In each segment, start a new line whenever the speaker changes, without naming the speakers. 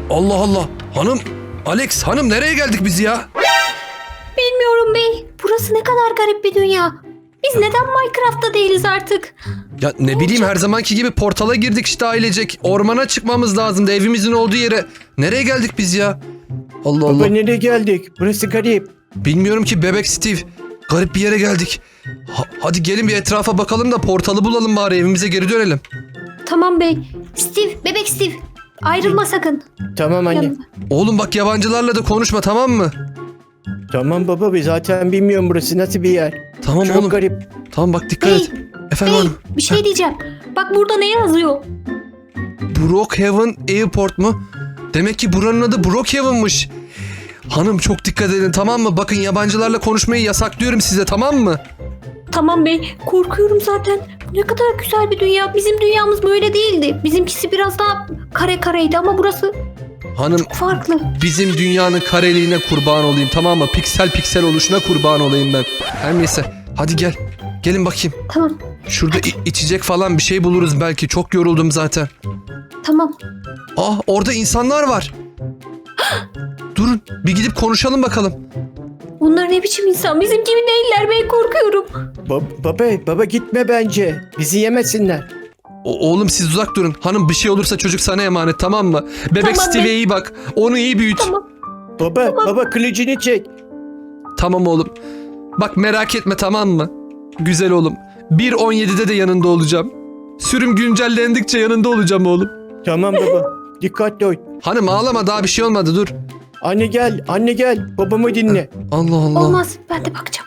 Allah Allah. Hanım, Alex hanım nereye geldik biz ya?
Bilmiyorum bey. Burası ne kadar garip bir dünya. Biz neden Minecraft'ta değiliz artık?
Ya ne bileyim her zamanki gibi portala girdik işte ailecek. Ormana çıkmamız lazımdı evimizin olduğu yere. Nereye geldik biz ya? Allah
Baba
Allah.
nereye geldik? Burası garip.
Bilmiyorum ki bebek Steve. Garip bir yere geldik. Hadi gelin bir etrafa bakalım da portalı bulalım bari evimize geri dönelim.
Tamam bey. Steve, bebek Steve. Ayrılma sakın.
Tamam anne.
Yanıma.
Oğlum bak yabancılarla da konuşma tamam mı?
Tamam baba biz zaten bilmiyorum burası nasıl bir yer.
Tamam
Çok
oğlum.
garip.
Tamam bak dikkat
Bey,
et. Efendim
bey
hanım.
bir şey diyeceğim. Bak burada ne yazıyor?
Brookhaven Airport mu? Demek ki buranın adı Brookhaven'mış. Hanım çok dikkat edin tamam mı? Bakın yabancılarla konuşmayı yasaklıyorum size tamam mı?
Tamam bey. Korkuyorum zaten. Ne kadar güzel bir dünya. Bizim dünyamız böyle değildi. Bizimkisi biraz daha kare kareydi ama burası
Hanım
farklı.
bizim dünyanın kareliğine kurban olayım tamam mı? Piksel piksel oluşuna kurban olayım ben. Her neyse hadi gel. Gelin bakayım.
Tamam.
Şurada içecek falan bir şey buluruz belki. Çok yoruldum zaten.
Tamam.
Ah orada insanlar var. Durun bir gidip konuşalım bakalım.
Bunlar ne biçim insan? Bizim gibi değiller bey, korkuyorum.
Baba gitme bence. Bizi yemesinler.
Oğlum siz uzak durun. Hanım bir şey olursa çocuk sana emanet tamam mı? Bebek
Tamam,
Steve'e iyi bak. Onu iyi büyüt.
Tamam.
Baba kılıcını çek.
Tamam oğlum. Bak merak etme tamam mı? Güzel oğlum. 1.17'de de yanında olacağım. Sürüm güncellendikçe yanında olacağım oğlum.
Tamam baba. Dikkatli ol.
Hanım ağlama daha bir şey olmadı dur.
Anne gel. Babamı dinle.
Allah Allah.
Olmaz. Ben de bakacağım.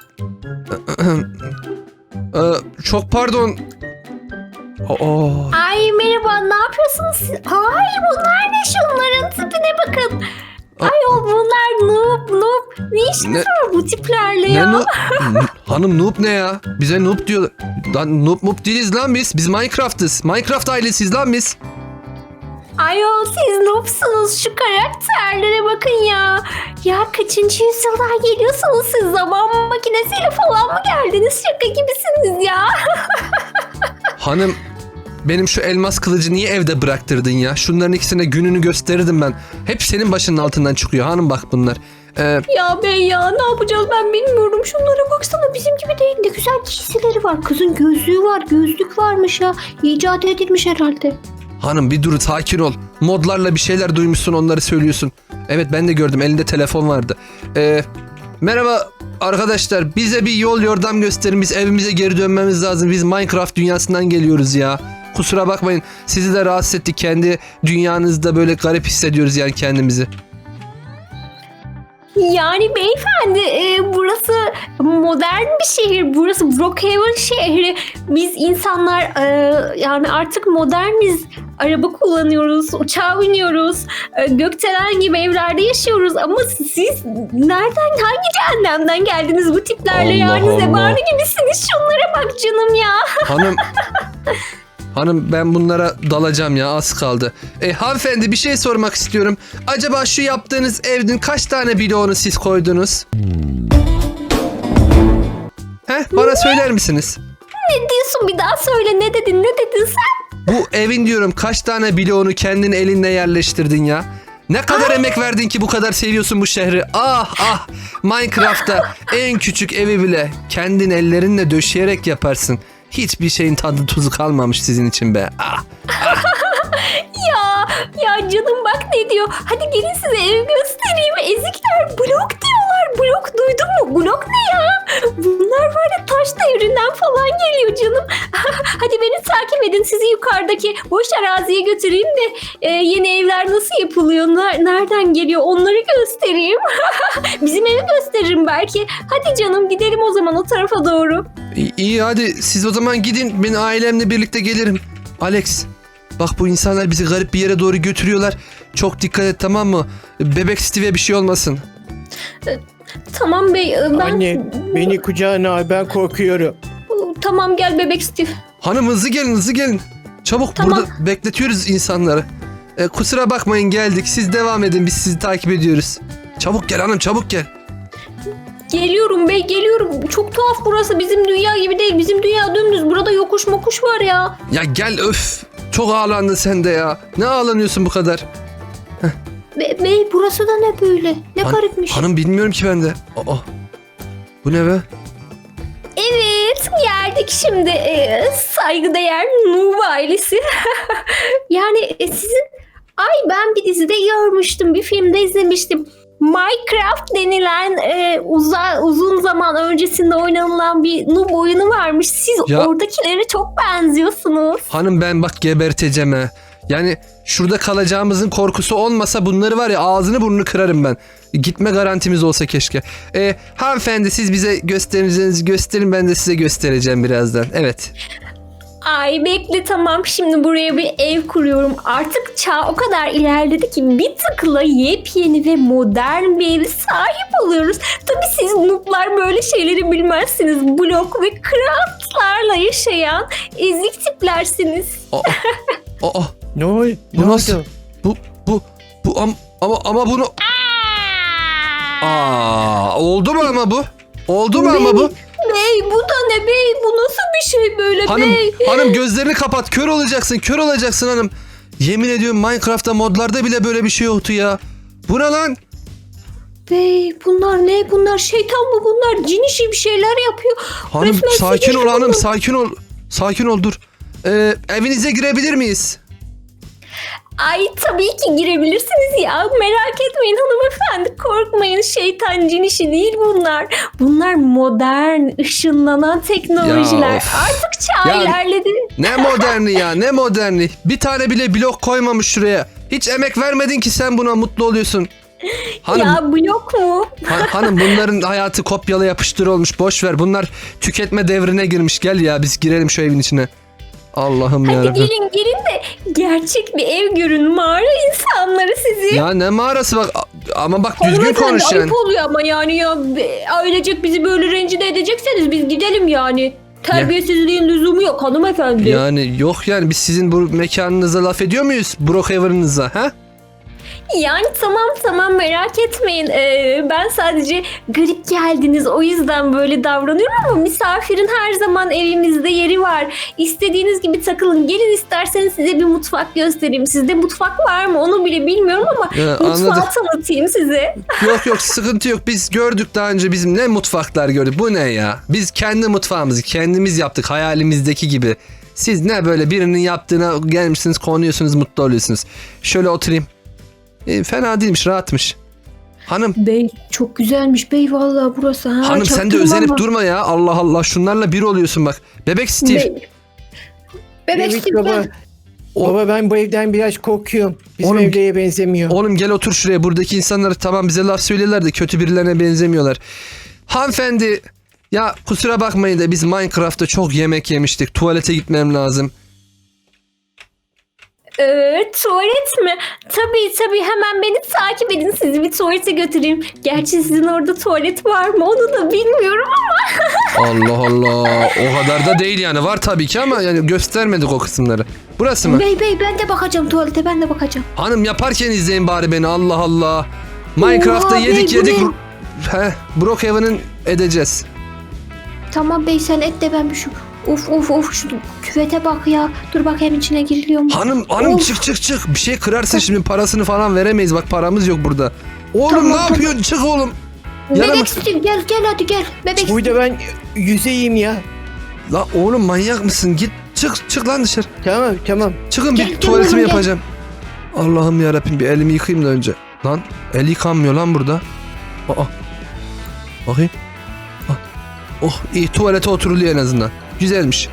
Çok pardon.
Ay merhaba, ne yapıyorsunuz siz? Ay bunlar ne, şunların tipine bakın. Ay o bunlar noob. Ne işiniz var bu tiplerle ya?
Ne noob? Hanım noob ne ya? Bize noob diyor. Lan noob değiliz lan biz. Biz Minecraft'ız. Minecraft ailesiyiz lan biz.
Ay o siz noobsunuz, şu karakterlere bakın ya. Ya kaçıncı yüzyıldan geliyorsunuz siz? Zaman makinesiyle falan mı geldiniz? Şaka gibisiniz ya.
Hanım benim şu elmas kılıcı niye evde bıraktırdın ya? Şunların ikisine gününü gösterirdim ben. Hep senin başının altından çıkıyor hanım bak bunlar.
Ya bey ya, ne yapacağız ben bilmiyorum. Şunlara baksana, bizim gibi değil. Ne güzel giysileri var. Kızın gözlüğü var, gözlük varmış ya. İcat edilmiş herhalde.
Hanım bir dur sakin ol. Modlarla bir şeyler duymuşsun onları söylüyorsun. Evet ben de gördüm elinde telefon vardı. Merhaba arkadaşlar bize bir yol yordam gösterin. Biz evimize geri dönmemiz lazım. Biz Minecraft dünyasından geliyoruz ya. Kusura bakmayın sizi de rahatsız ettik. Kendi dünyanızda böyle garip hissediyoruz yani kendimizi.
Yani beyefendi burası modern bir şehir. Burası Brookhaven şehri. Biz insanlar yani artık moderniz. Araba kullanıyoruz, uçağa biniyoruz. Gökdelen gibi evlerde yaşıyoruz. Ama siz nereden, hangi cehennemden geldiniz bu tiplerle?
Allah
Yani
Allah.
zebani gibisiniz. Şunlara bak canım ya.
Hanım ben bunlara dalacağım ya az kaldı. Hanımefendi bir şey sormak istiyorum. Acaba şu yaptığınız evin kaç tane bloğunu siz koydunuz? Bana söyler misiniz?
Ne diyorsun, bir daha söyle, ne dedin sen?
Bu evin diyorum kaç tane bloğunu kendin elinle yerleştirdin ya? Ne kadar emek verdin ki bu kadar seviyorsun bu şehri? Ah Minecraft'ta en küçük evi bile kendin ellerinle döşeyerek yaparsın. Hiçbir şeyin tadı tuzu kalmamış sizin için be.
Ya canım bak ne diyor. Hadi gelin size ev göstereyim. Ezikler blok diyorlar. Blok, duydun mu? Blok ne ya? Bunlar var ya, taş devrinden falan geliyor canım. Hadi beni takip edin. Sizi yukarıdaki boş araziye götüreyim de yeni evler nasıl yapılıyor? Nereden geliyor? Onları göstereyim. Bizim evi gösteririm belki. Hadi canım gidelim o zaman o tarafa doğru.
İyi hadi siz o zaman gidin. Ben ailemle birlikte gelirim. Alex bak bu insanlar bizi garip bir yere doğru götürüyorlar. Çok dikkat et tamam mı? Bebek Steve'e bir şey olmasın.
Tamam bey.
Anne beni kucağına al, ben korkuyorum.
Tamam gel bebek Steve.
Hanım hızlı gelin. Çabuk
Tamam.
burada bekletiyoruz insanları. Kusura bakmayın geldik. Siz devam edin biz sizi takip ediyoruz. Çabuk gel hanım çabuk gel.
Geliyorum bey, geliyorum. Çok tuhaf burası, bizim dünya gibi değil. Bizim dünya dümdüz. Burada yokuş mokuş var ya.
Ya gel öf. Çok ağlandın sen de ya. Ne ağlanıyorsun bu kadar?
Bey burası da ne böyle? Ne garipmiş.
Hanım bilmiyorum ki ben de. Aa, bu ne be?
Evet geldik şimdi saygıdeğer Noob ailesi. Yani sizin ben bir dizide görmüştüm, bir filmde izlemiştim. Minecraft denilen uzun zaman öncesinde oynanılan bir noob oyunu varmış. Siz
Ya-
oradakilere çok benziyorsunuz.
Hanım ben bak geberteceğim ha. Yani şurada kalacağımızın korkusu olmasa bunları var ya ağzını burnunu kırarım ben. Gitme garantimiz olsa keşke. Hanımefendi siz bize gösterinizi gösterin, ben de size göstereceğim birazdan. Evet.
Ay bekle tamam, şimdi buraya bir ev kuruyorum. Artık çağ o kadar ilerledi ki bir tıkla yepyeni ve modern bir eve sahip oluyoruz. Tabii siz noob'lar böyle şeyleri bilmezsiniz. Blok ve craftlarla yaşayan ezik tiplersiniz.
Aa,
Ne oldu?
Bu
Ne
nasıl?
oldu?
ama bunu... Oldu mu ama bu? Oldu mu ama bu?
Bey bu da ne bey? Bu nasıl bir şey böyle bey?
Hanım gözlerini kapat. Kör olacaksın hanım. Yemin ediyorum Minecraft'ta modlarda bile böyle bir şey yoktu ya. Bu ne lan?
Bey bunlar ne? Bunlar şeytan mı bunlar? Cin işi bir şeyler yapıyor.
Hanım
Resmen
sakin ol
sihirli
hanım,
bunlar.
sakin ol. Sakin ol dur. Evinize girebilir miyiz?
Ay tabii ki girebilirsiniz ya. Merak etmeyin hanımefendi. Korkmayın, şeytan cin işi değil bunlar. Bunlar modern, ışınlanan teknolojiler.
Ya of.
Artık çağ
Ya-
ilerledi.
Ne moderni ya, ne moderni. Bir tane bile blok koymamış şuraya. Hiç emek vermedin ki sen buna mutlu oluyorsun. Hanım,
Ya blok mu?
hanım bunların hayatı kopyala yapıştır olmuş. Boş ver. Bunlar tüketme devrine girmiş. Gel ya biz girelim şu evin içine. Allah'ım
Hadi
yarabbim.
gelin de gerçek bir ev görün. Mağara insanları sizi.
Ya ne mağarası bak ama bak düzgün
Hanımefendi,
konuş yani.
ayıp oluyor ama yani ya ailecek bizi böyle rencide edecekseniz biz gidelim yani. Terbiyesizliğin lüzumu yok hanımefendi.
Yani yok yani biz sizin bu mekanınıza laf ediyor muyuz? Brookhaven'ınıza ha?
Yani tamam merak etmeyin. Ben sadece garip geldiniz o yüzden böyle davranıyorum ama misafirin her zaman evimizde yeri var. İstediğiniz gibi takılın. Gelin isterseniz size bir mutfak göstereyim. Sizde mutfak var mı onu bile bilmiyorum ama
Ya,
mutfağı
anladım.
tanıtayım size.
Yok sıkıntı yok. Biz gördük daha önce bizim ne mutfaklar gördük. Bu ne ya? Biz kendi mutfağımızı kendimiz yaptık hayalimizdeki gibi. Siz ne böyle birinin yaptığına gelmişsiniz konuyorsunuz mutlu oluyorsunuz. Şöyle oturayım. Fena değilmiş rahatmış. Hanım
Bey çok güzelmiş bey vallahi burası. Ha,
hanım sen de
çaktırmam
özenip
ama.
durma ya. Allah Allah şunlarla bir oluyorsun bak. Bebek Steve.
Bey. Bebek
Evet
Steve
baba.
gel.
Baba ben bu evden biraz korkuyorum. Bizim
Oğlum-
evlere benzemiyor.
Oğlum gel otur şuraya. Buradaki insanlar tamam bize laf söylüyorlar da kötü birilerine benzemiyorlar. Hanımefendi ya kusura bakmayın da biz Minecraft'ta çok yemek yemiştik. Tuvalete gitmem lazım.
Tuvalet mi? Tabii hemen beni takip edin, sizi bir tuvalete götüreyim. Gerçi sizin orada tuvalet var mı onu da bilmiyorum ama.
Allah Allah. O kadar da değil yani. Var tabii ki ama yani göstermedik o kısımları. Burası mı?
Bey ben de bakacağım tuvalete, ben de bakacağım.
Hanım yaparken izleyin bari beni. Allah Allah. Minecraft'ta
Oha,
yedik.
bey, bu ne?
Brookhaven'ın edeceğiz.
Tamam bey sen et de ben bir şu of şu küvete bak ya. Dur bakayım içine giriliyor mu?
Hanım
Of.
çık. Bir şey kırarsın şimdi parasını falan veremeyiz. Bak paramız yok burada. Oğlum
Tamam,
ne
tamam.
yapıyorsun? Çık oğlum. Yaramaz.
Bebek Steve gel hadi gel. Bebek Steve.
Burada ben yüzeyim ya.
La oğlum manyak mısın? Git çık lan dışarı.
Tamam.
Çıkın
Gel,
bir
gel
tuvaletimi
oğlum, gel.
yapacağım. Allah'ım yarabbim bir elimi yıkayayım da önce. Lan el yıkanmıyor lan burada. Aa. Bakayım. Ah. Oh iyi tuvalete oturuluyor en azından. Güzelmiş.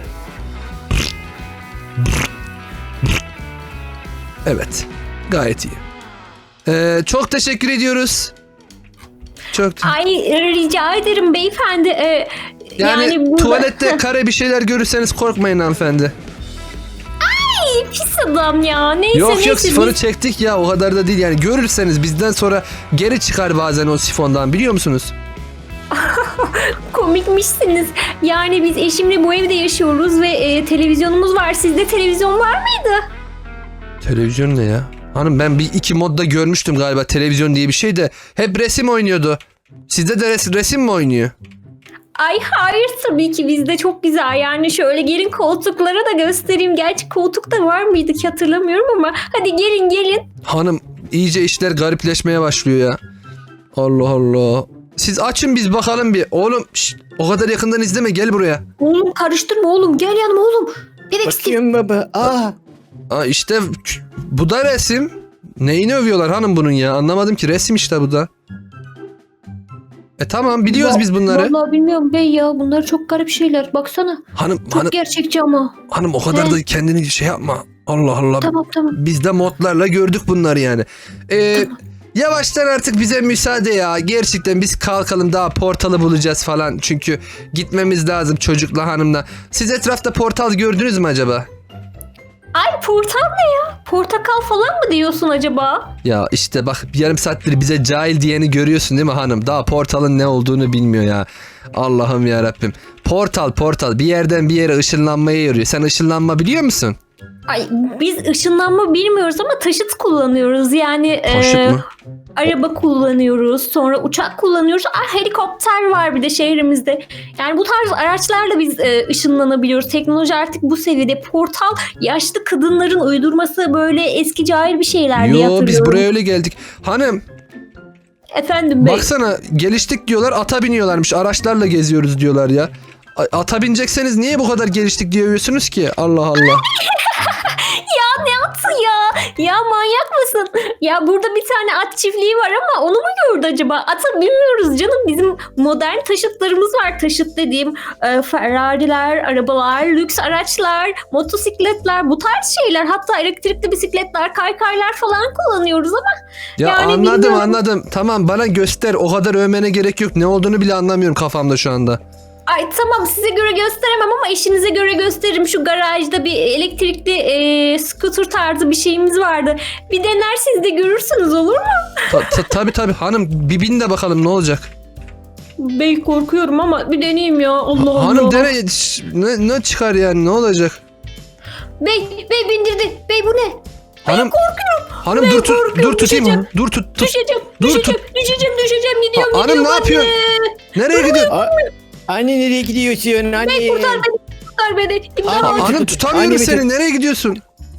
Evet. Gayet iyi. Çok teşekkür ediyoruz. Çok
Ay rica ederim beyefendi.
yani
burada-
tuvalette kare bir şeyler görürseniz korkmayın hanımefendi.
Pis adam ya. Neyse
Yok
neyse.
sifonu çektik ya o kadar da değil yani görürseniz bizden sonra geri çıkar bazen o sifondan biliyor musunuz?
Komikmişsiniz. Yani biz eşimle bu evde yaşıyoruz ve televizyonumuz var. Sizde televizyon var mıydı?
Televizyon ne ya? Hanım ben bir iki modda görmüştüm galiba televizyon diye bir şey de hep resim oynuyordu. Sizde de resim mi oynuyor?
Ay hayır tabii ki bizde çok güzel. Yani şöyle gelin koltuklara da göstereyim. Gerçi koltuk da var mıydı ki hatırlamıyorum ama hadi gelin.
Hanım iyice işler garipleşmeye başlıyor ya. Allah Allah. Siz açın biz bakalım bir. Oğlum şşt, o kadar yakından izleme, gel buraya.
Oğlum karıştırma oğlum. Gel yanıma oğlum. Bebek
Bakıyorum baba.
Aa işte bu da resim. Neyini övüyorlar hanım bunun ya? Anlamadım ki, resim işte bu da. Tamam biliyoruz biz bunları.
Vallahi bilmiyorum bey ya. Bunlar çok garip şeyler. Baksana. Çok gerçekçi ama.
Hanım o kadar
He.
da kendini şey yapma. Allah Allah.
Tamam.
Biz de modlarla gördük bunları yani. Yavaştan artık bize müsaade ya. Gerçekten biz kalkalım, daha portalı bulacağız falan. Çünkü gitmemiz lazım çocukla hanımla. Siz etrafta portal gördünüz mü acaba?
Ay portal ne ya? Portakal falan mı diyorsun acaba?
Ya işte bak, yarım saattir bize cahil diyeni görüyorsun değil mi hanım? Daha portalın ne olduğunu bilmiyor ya. Allah'ım ya Rabbim. Portal bir yerden bir yere ışınlanmaya yarıyor. Sen ışınlanma biliyor musun?
Ay biz ışınlanma bilmiyoruz ama taşıt kullanıyoruz. Yani
Taşıt mı?
araba kullanıyoruz. Sonra uçak kullanıyoruz. Helikopter var bir de şehrimizde. Yani bu tarz araçlarla biz ışınlanabiliyoruz. Teknoloji artık bu seviyede. Portal yaşlı kadınların uydurması, böyle eski cahil bir şeyler diye hatırlıyorum.
Yo biz buraya öyle geldik. Hanım
Efendim bey.
baksana, geliştik diyorlar, ata biniyorlarmış, araçlarla geziyoruz diyorlar ya. Ata binecekseniz niye bu kadar geliştik diyorsunuz ki? Allah Allah.
Ya ne atı ya? Ya manyak mısın? Ya burada bir tane at çiftliği var ama onu mu gördü acaba? Ata bilmiyoruz canım. Bizim modern taşıtlarımız var. Taşıt dediğim Ferrari'ler, arabalar, lüks araçlar, motosikletler, bu tarz şeyler. Hatta elektrikli bisikletler, kaykaylar falan kullanıyoruz ama
Ya
yani
anladım
bilmiyorum.
Tamam, bana göster. O kadar övmene gerek yok. Ne olduğunu bile anlamıyorum kafamda şu anda.
Ay tamam, size göre gösteremem ama işinize göre gösteririm. Şu garajda bir elektrikli scooter tarzı bir şeyimiz vardı. Bir dener, siz de görürsünüz, olur mu?
Tabii hanım, bir bin de bakalım ne olacak.
Bey korkuyorum ama bir deneyeyim ya. Allah Allah.
Hanım dene, ne çıkar yani, ne olacak?
Bey bindirdi. Bey bu ne?
Hanım
Korkuyorum.
hanım
Ben
dur
korkuyorum,
tutayım.
düşeceğim.
Dur tut.
Düşeceğim. Gidiyorum.
Hanım
gidiyorum
ne yapıyorsun? Nereye gidiyorsun?
Anne nereye gidiyorsun? Anne.
Bey kurtar beni. İmdat.
Anne,
Hanım tutamıyorum
Annemi
seni. Nereye gidiyorsun?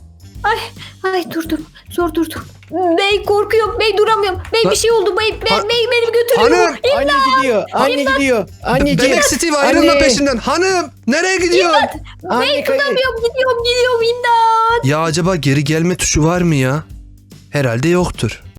Ay dur. Zor durdum. Bey korkuyorum. Bey duramıyorum. Bey bir şey oldu. Bey beni götürüyor.
Hanım.
Anne gidiyor. Anne gidiyor. Anneciğim.
Bebek Steve ayrılma
Anne.
peşinden. Hanım nereye gidiyorsun?
Anne
Bey
kayın.
gidiyorum. İmdat.
Ya acaba geri gelme tuşu var mı ya? Herhalde yoktur.